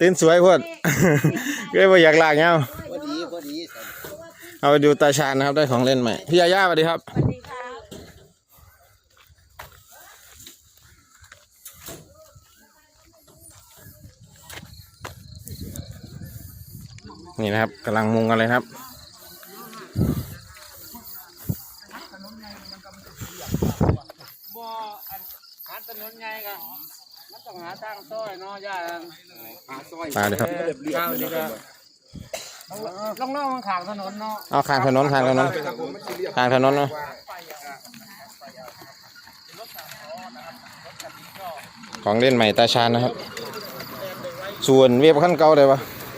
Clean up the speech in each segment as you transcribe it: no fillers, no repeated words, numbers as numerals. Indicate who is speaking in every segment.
Speaker 1: ตื่นสวยพอดก็เลยอยากลากเงาเอาไปดูตาชาญนะครับได้ของเล่นใหม่พี่ยาย่าสวัสดีครับนี่นะครับกำลังมุงกันเลยครับ
Speaker 2: บ่หาถนนไงกันมันต้องหาทางซอยเนาะย่าหาซอย
Speaker 1: มาเลยครับ
Speaker 2: ข้าวนี่ก็ล่องๆมันขางถนนเนาะ
Speaker 1: เอาข้างถนนเนาะของเล่นใหม่ตาชาญนะครับส่วนเวียบขั้นเก่าได้ปะ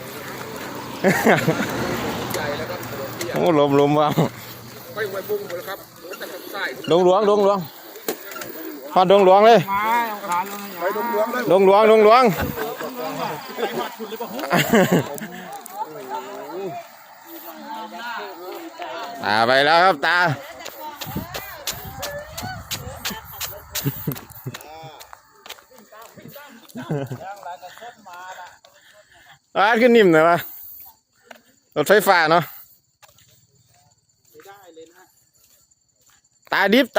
Speaker 1: โอ้ลมว่ะดงหลวงพอดงหลวงเลยดงหลวงตาไปแล้วครับตาขึ้นนิ่มเลยวะรถไฟฟ้าเนาะตาดิบ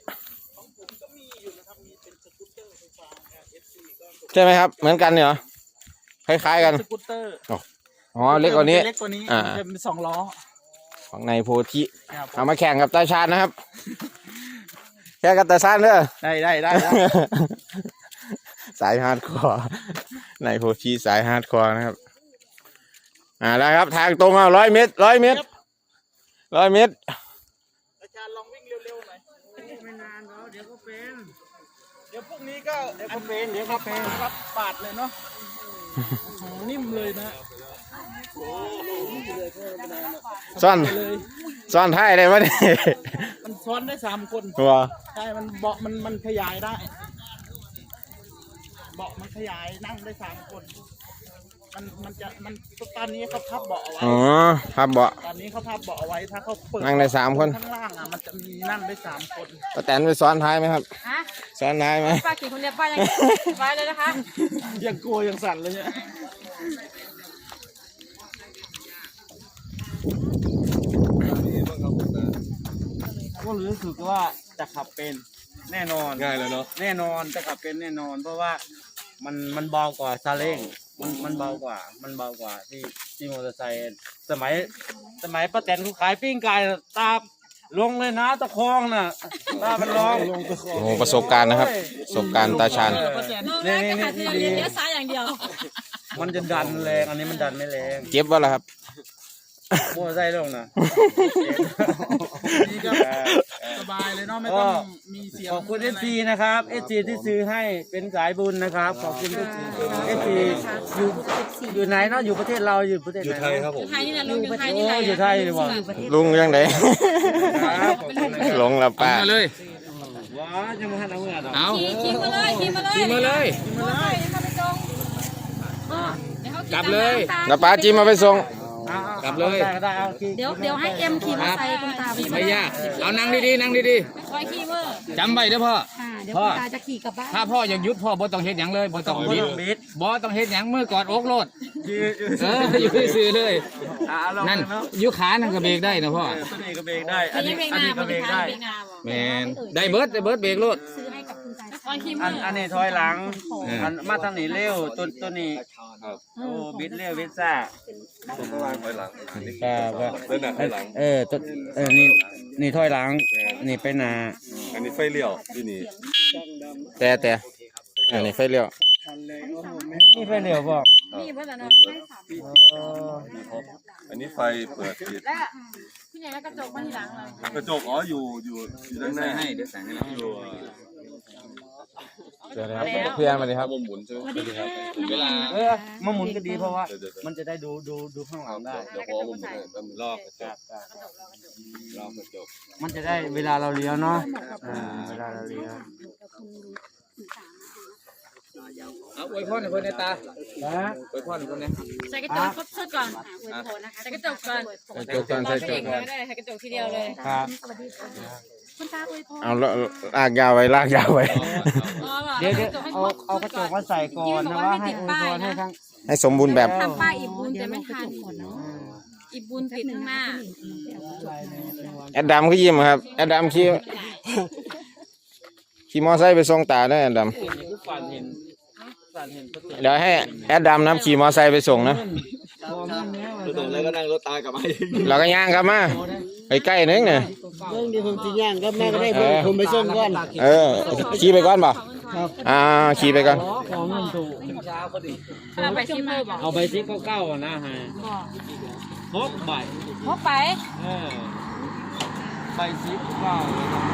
Speaker 1: ใช่ไหมครับเหมือนกันเนี่ยเหรอคล้ายๆกัน
Speaker 2: สกูตเตอร์
Speaker 1: อ๋อเล็กกว่านี้
Speaker 2: เป็น2 ล้อ
Speaker 1: ของในโพธิเอามาแข่งกับตาชาญนะครับแข่งกับตาชาญเด้อ
Speaker 2: ได้
Speaker 1: สายฮาร์ดคอร์ในโพธิสายฮาร์ดคอร์นะครับแล้วครับทางตรงเอา100 เมตรตา
Speaker 2: ชาญลองวิ่งเร็วๆหน่อยไม่นานเดี๋ยวก็เป็นเดี๋ยวพวกนี้ก็ครับปาดเลยเนาะนิ่มเลยนะ
Speaker 1: ซ้อนท้ายได้ไหมเนี่ย
Speaker 2: มันซ้อนได้3 คนใช่มันเบาะมันขยายได้เบาะมันขยายนั่งได้3 คนมันตอนนี้เขาพับเบาะเอาไว้
Speaker 1: พับเบาะ
Speaker 2: ตอนนี้เขาพับเบาะเอาไว้ถ้าเขาเปิด
Speaker 1: นั่งได้3 คน
Speaker 2: ข้างล่างมันจะมีนั่งได้3 คน
Speaker 1: ป้าแตนไปซ้อนท้ายไหมครับซ้อนท้ายไหม
Speaker 3: ป้าขี่คนเดียวป้ายังไว้เลยนะคะ
Speaker 2: ยังกลัวยังสั่นเลยเนี่ยก็รู้สึกว่าจะขับเป็นแน่นอน
Speaker 1: ง่ายเลยเนาะ
Speaker 2: แน่นอนจะขับเป็นแน่นอนเพราะว่ามันเบากว่าซาเล้งมันเบากว่าที่มอเตอร์ไซค์สมัยป้าแตนเขาขายปิ้งไก่ตาลงเลยนะตะคองน่ะตาเป็นรอง
Speaker 1: โอ้ประสบการณ์นะครับประสบการณ์ตาชาญ
Speaker 3: นี่เลี้ยวซ้ายอย่างเดียว
Speaker 2: มันจะดันแรงอันนี้มันดันไม่แรง
Speaker 1: เก็บว่าล่ะครับ
Speaker 2: มอเตอร์ไซค์ลงนะนี่ก็สบายเลยเนาะไม่ต้องมีเสียงขอบคุณSCนะครับ SC ที่ซื้อให้เป็นสายบุญนะครับขอบคุณSCอยู่ไหนเนาะอยู่ประเทศเราอยู่ประเทศไหน
Speaker 1: อยู่ไทยครับผม
Speaker 3: ไทยนี่นะลุงอยู่ไทยนี่แหละ
Speaker 2: อยู่ไทยเลยว่ะ
Speaker 1: ลุงยังไงหลงละป้า
Speaker 2: เลยว้าจะมาหันเอาเงิน
Speaker 3: เอาขี่มาเลย
Speaker 1: กลับเลยแล้วป้าจิ้มมาไปส่ง
Speaker 2: กลับเลย
Speaker 3: เดี๋ยวให้เอ็มขี่มอเตอร์ไซค์คุณตาไป
Speaker 2: ไม่ยากเอานั่งดีๆ
Speaker 3: คอยขี่เมื่อ
Speaker 2: จำไว้เด้อพ่อ
Speaker 3: เดี๋ยวคุณตาจะขี่กลับบ้าน
Speaker 2: ถ้าพ่อยังยุดพ่อบ่ต้องเฮ็ดหยังเลยบ่ต้องบิดบ่ต้องเฮ็ดหยังมือกอดอกโลดอยู่ซื่อเลยนั่นยุขานั่นก็เบรกได้นะพ่อตัวนี้ก็เบรกได้อันนี้ก็เบรกได้แม่นได้เบิร์ดเบรกโลด
Speaker 3: ซื้อให้กับคุณตา
Speaker 2: อันนี้ถอยหลังมาทางนี้เร็วตัวนี้โอ้บิดเร็วบิดซ่าถอยหลังนี่ถอยหลังนี่ไปหน้า
Speaker 1: อันนี้ไฟเลี้ยวที่นี่แต่อันนี้ไฟเลี้ยว
Speaker 2: นี่ไฟเลี้ยวบอก
Speaker 3: นี่เพื่อนเนาะ
Speaker 1: อันนี้ไฟเปิดปิด
Speaker 3: แล้วพี่ใหญ่แล้วกระจกมาที่หลังเลย
Speaker 1: กระจกอยู่ด้านหน้า
Speaker 2: ให้เดี๋ยวสั่งให้เรา
Speaker 1: เพื่อนมาดิครับมุมหมุนใช่ไหม
Speaker 2: เวลามาหมุนก็ดีเพราะว่ามันจะได้ดูข้างหลังได้
Speaker 1: เดี๋ยวพอมุมหมุนลอกกระจก
Speaker 2: มันจะได้เวลาเราเลี้ยวเนาะเวลาเราเลี้ยวเอาอวยพรให้เพื่อนในตาอวยพรให้เพื่อนเนี่ย
Speaker 3: ใส่กระจกครบชุดก่อนอวยพรนะคะใส่กระจกก่อน
Speaker 1: ใส่กระจก
Speaker 3: ได้ใส่กระจกทีเดียวเลย
Speaker 2: ครับ
Speaker 3: คุณตาอวยพร
Speaker 1: เอาลากยาวไว้ลากยาวไว้
Speaker 2: เดี๋ยวเอากระจกมาใส่ก่อนนะว่าให้อวยพรให้ทั้ง
Speaker 1: ให้สมบูรณ์แบบ
Speaker 3: ทำป้ายอิบบุญแต่ไม่ทันอิบบุญติดข้างหน้า
Speaker 1: แอดดัมก็ยิ้มครับแอดดัมขี่มอไซค์ไปส่งตาได้แอดดัม
Speaker 2: ฝันเห็นประตู
Speaker 1: เดี๋ยวให้แอดดัมนะขี่มอไซค์ไปส่งนะ
Speaker 4: ไปส่งแล้วก็นั่งรถตากลับมาเอง
Speaker 1: เราก็ย่างครับมาไปใกล้นึงเนี่ย
Speaker 4: เรื่องเดียวผมสิย่างก็แม่ก็ได้ผมไปส่งก่อน
Speaker 1: เออขี่ไปก่อนเปล่าขี่ไปก่อน
Speaker 2: ของเงินถูก
Speaker 3: เอาไปชิมเลยบอก
Speaker 2: เอาไปซิเก้าๆนะฮะ6 ใบ
Speaker 3: พกไป
Speaker 2: ใบซิเก้า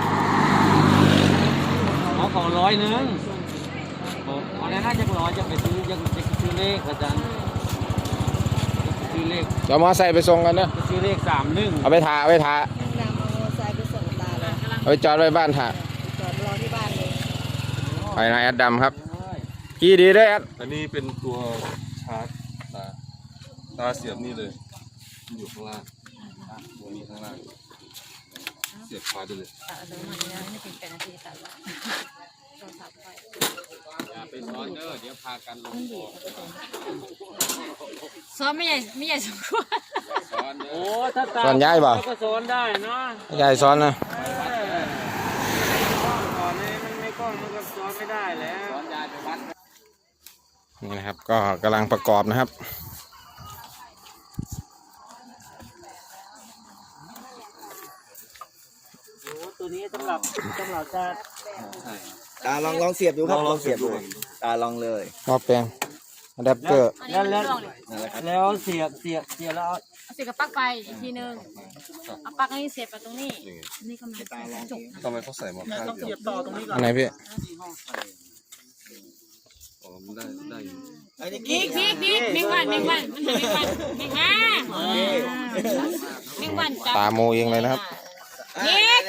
Speaker 2: เอาของ100นึงอันนั้นน่าจะ100จะไปซื้อยังจะซื้อเลขอาจารย์ซื้อเลข
Speaker 1: เดี๋ยวมอไซค์ไปส่งกันเนอะ
Speaker 2: ซื้อเลข31
Speaker 1: เอาไปทาเอาไปทา
Speaker 5: นำเอามอเตอร์ไซค์ไปส่งตาเลย
Speaker 1: เอาไปจอดไว้บ้านทา
Speaker 5: จอดรอที่บ้านเลย
Speaker 1: ไปนะแอดดัมครับขี่ดีด้วยแอด
Speaker 6: อันนี้เป็นตัวชาร์จตาเสียบนี่เลยมันอยู่ข้างล่างตัวนี้ข้างล่าง เสียบชาร์จได้เลย
Speaker 2: ไปซ้อนเด้อเดี๋ยวพากันลงบ่อ
Speaker 3: ซ้อมไม่ใหญ่สมควร
Speaker 2: โอ้ถ้าตา
Speaker 1: สอนย้ายเปล่า
Speaker 2: ก็ซ้อนได้เนาะ
Speaker 1: ยายซ้อนนะ
Speaker 2: ก่อนนี้มันไม่กล้องมันก็ซ้อนไม่ได้แล้วซ้อนยายไปวัด
Speaker 1: นี่นะครับก็กำลังประกอบนะครับ
Speaker 2: โอ้ตัวนี้สำหรับจะ
Speaker 4: ตาลองเสียบดูครับลองเสียบดูตาลองเลย
Speaker 1: หม้อแปลงอะแดปเตอร์
Speaker 3: อันนี้มันร่วงเลย
Speaker 4: นั่นแหละครับ
Speaker 2: แล้วเสียบแล้ว
Speaker 3: เอาเสียบกับปลั๊กไปอีกทีนึงเอาปลั๊กนี้เสียบไปตรงนี้นี่กำลังใส่กระจก
Speaker 6: ทำไมเขาใส่มาข้างเดียว
Speaker 1: อันไหนพี่
Speaker 6: อ๋อมันได้อยู่
Speaker 4: ไอ้นี่
Speaker 3: พีกแมงวันมันเห็นแมงวันแมงจับ
Speaker 1: ตาโมเองเลยนะครับ
Speaker 3: พีก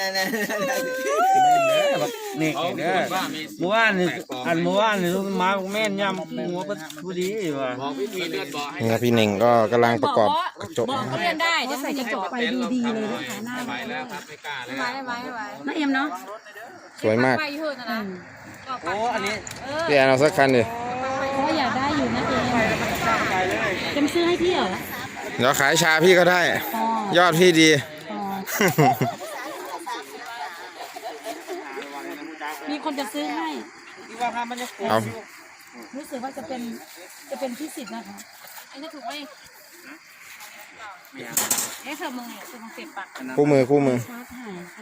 Speaker 2: นี่เด้อเมื่อวานนี่เมื่อวานนี่มาแม่นยำหัวผู้ดีว่ะ
Speaker 1: นี่ครับพี่เน่งก็กำลังประกอบกระจก
Speaker 3: บอกเขาเรียนได้เดี๋ยวใส่กระจกไปดูดีเลยนะคะหน้าไม่ไหวน่าเอ็มเนาะ
Speaker 1: สวยมาก
Speaker 3: ไปอยู่เถอะนะ
Speaker 2: โอ้อันนี้
Speaker 1: พี่แอนเอาสักคันดิ
Speaker 3: เพราะอยากได้อยู่นะเอ็ม
Speaker 2: ไปเลย
Speaker 3: เอ็มซื้อให้พี่เหรอ
Speaker 1: เดี๋ยวขายชาพี่ก็ได้ ยอดพี่ดี
Speaker 3: มีคนจะซื้อให้
Speaker 2: ที่ว่ามันจะ
Speaker 1: เอา
Speaker 3: รู้สึกว่าจะเป็นพิสิทธิ์นะคะอันนี้ถูกไหมเอ๊ะเธอมึงเนี่ยเธอมึงเก็บปาก
Speaker 1: คู่มือ
Speaker 3: ชาร์จหายค่ะ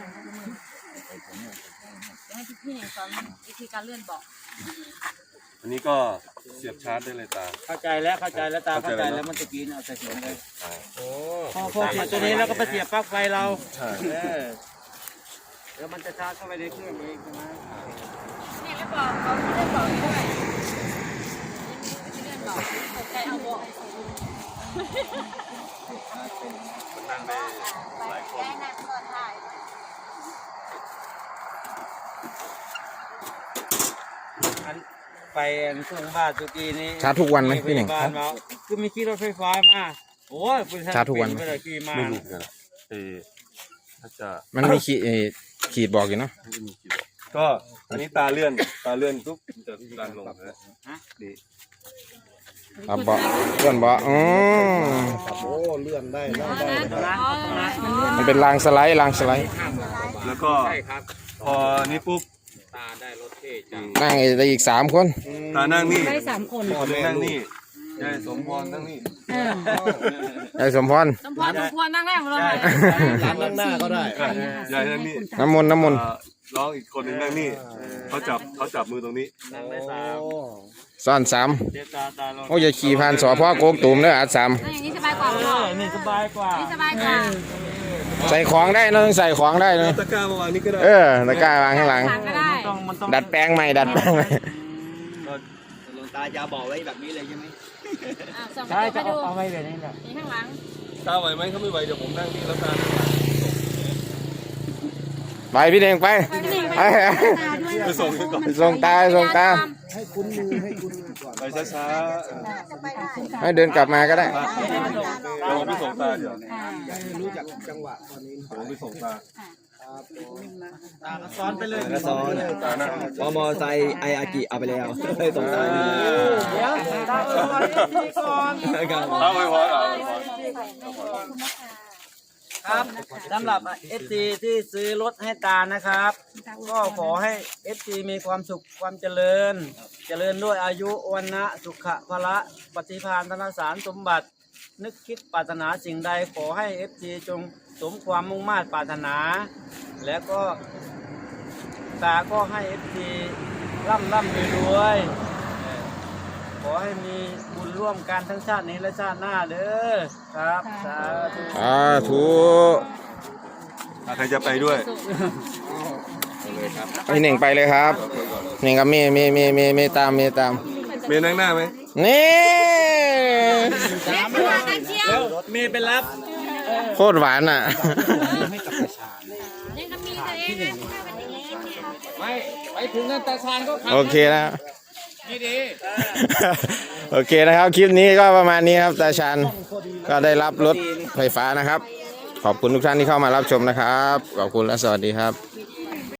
Speaker 3: ให้พี่เนี่ยสอนวิธีการเลื่อนเบาะ
Speaker 6: อันนี้ก็เสียบชาร์จได้เลยตา
Speaker 2: เข้าใจแล้วตาเข้าใจแล้วมันจะกินเอาใส่ถุงเลยโอ้พอติดตัวนี้แล้วก็ไปเสียบปลั๊กไฟเรา
Speaker 6: ใช่
Speaker 2: เดี๋ยวมันจะชาร์จเข้าไปในเครื่องเองใช่ไหม
Speaker 3: เนี่ยไม่บอกเขาไม่ได้บอกด้วยไม่ได้เลื่อนเบาะตกใจเอาเบาะ
Speaker 2: ไปเครื่องบ้านสุกี้นี้
Speaker 1: ชาร์จทุกวันไหมพี่เน่ง
Speaker 2: บ้านมาคือมีขี่รถไฟฟ้ามาโอ้ย
Speaker 1: ชาร์จทุกวันไหม
Speaker 2: ไม่ได้ขี่มา
Speaker 6: ไม่รู้กันถ้าจะ
Speaker 1: มันมีขีดบอกอยู่เนาะ
Speaker 6: ไม่มีขีดก็อันนี้ตาเลื่อนปุ๊บจะดันลงนะดี
Speaker 1: เอาเบาะเลื่อนเบาะอ๋อ
Speaker 4: โอ้เลื่อนได้
Speaker 3: อ๋อนะอ๋อมันเลื่อน
Speaker 1: มันเป็นรางสไลด์
Speaker 6: แล้วก็พอนี้ปุ๊บ
Speaker 2: ตาได้รถเท่จัง
Speaker 1: นั่งได้อีก3 คน
Speaker 6: ตานั่งนี่
Speaker 3: ได้3 คน
Speaker 6: พ่อนั่งนี่ยายสมพรนั่งนี่
Speaker 1: ไอ้สมพร
Speaker 3: สมพรนั่งแรกของเราเลย
Speaker 4: ร้านนั่งหน้าก็ได้
Speaker 6: ยายนั่งนี่
Speaker 1: น้ำมนต์
Speaker 6: น้องอีกคนหนึ่งนั่งนี่เขาจับมือตรงนี้
Speaker 2: นั่งได้3
Speaker 1: ซ่อน
Speaker 2: เดี๋ยวตาลง
Speaker 1: 3โอ้ยอย่าขี่ผ่านสอพ่อโกกตูมเด้ออัด
Speaker 3: นั่งอย่างนี้สบายกว่าพ่อ
Speaker 2: นี่สบายกว่า
Speaker 3: นี่สบายกว่า
Speaker 1: 3ใส่ของได้นะต้องใส่ของได้นะ
Speaker 6: ตะกร้ามาวางนี่ก็ได้
Speaker 1: ตะกร้าวางข้างหลัง
Speaker 3: ทางก็ได้
Speaker 2: มันต้อง
Speaker 1: ดัดแปลงใหม่
Speaker 4: หลวงตาจะบอกไว้แบบนี้เลยใช่ไหม
Speaker 3: ส่องก
Speaker 2: ใช่
Speaker 3: ระจ
Speaker 2: จะ
Speaker 3: กไปดู
Speaker 2: เอาไว้แบบนี้แหละ
Speaker 3: นี่ข้างหลัง
Speaker 6: ตาไหวไหมเขาไม่ไหวเดี๋ยวผมนั่งนี่แล้วตา
Speaker 1: ไปพี่เน่งไป
Speaker 3: พี่หนิง
Speaker 1: ไป
Speaker 6: ไปส่งกันก่อน
Speaker 1: ส่งตา
Speaker 4: ให้คุ้นมือก่อน
Speaker 6: ไปช้า
Speaker 1: ให้เดินกลับมาก็ได้
Speaker 6: ๆเดี๋ยวผมไปส่งตาเดี๋ยว
Speaker 4: รู้จักจังหวะตอนนี้
Speaker 6: ผมไปส่งตา
Speaker 2: ตาก็ซ้อนไปเลย
Speaker 4: ก็ซ้อนพอมอไซค์ไออากิเอาไปแล้วเลยสงสาร
Speaker 2: เดี๋ยวตาเอาไว้ทีก่อน
Speaker 4: ครับ
Speaker 6: เอาไปพอเอา
Speaker 2: ครับสำหรับ FC ที่ซื้อรถให้ตานะครับ ก็ขอให้ FC มีความสุขความเจริญ เจริญด้วยอายุวันนะสุขะพละปฏิภาณธนสารสมบัติ นึกคิดปรารถนาสิ่งใดขอให้ FC จงสมความมุ่งมา่ปรารถนา และก็ตาก็ให้ FC ร่ำรวยขอให้มีบุญร่วมกันทั้งชาตินี้และชาติหน้าเด้อครับสาธุ
Speaker 1: ถู
Speaker 6: ใครจะไปด้วย
Speaker 1: พี่หนึ่งไปเลยครับนี่ครับมีตาม
Speaker 6: เมย์นั่งหน้าไหม
Speaker 1: นี่
Speaker 2: เมย์เป็นรับ
Speaker 1: โคตรหวานอ่ะ
Speaker 3: ยังก็มีตัวเองนะ
Speaker 2: ไม่ไปถึงนั่นตาชานก็ขับ
Speaker 1: โอเคแล้ว
Speaker 2: นี่ดี
Speaker 1: โอเคนะครับ คลิปนี้ก็ประมาณนี้ครับตาชันก็ได้รับรถไฟฟ้านะครับ ขอบคุณทุกท่านที่เข้ามารับชมนะครับ ขอบคุณและสวัสดีครับ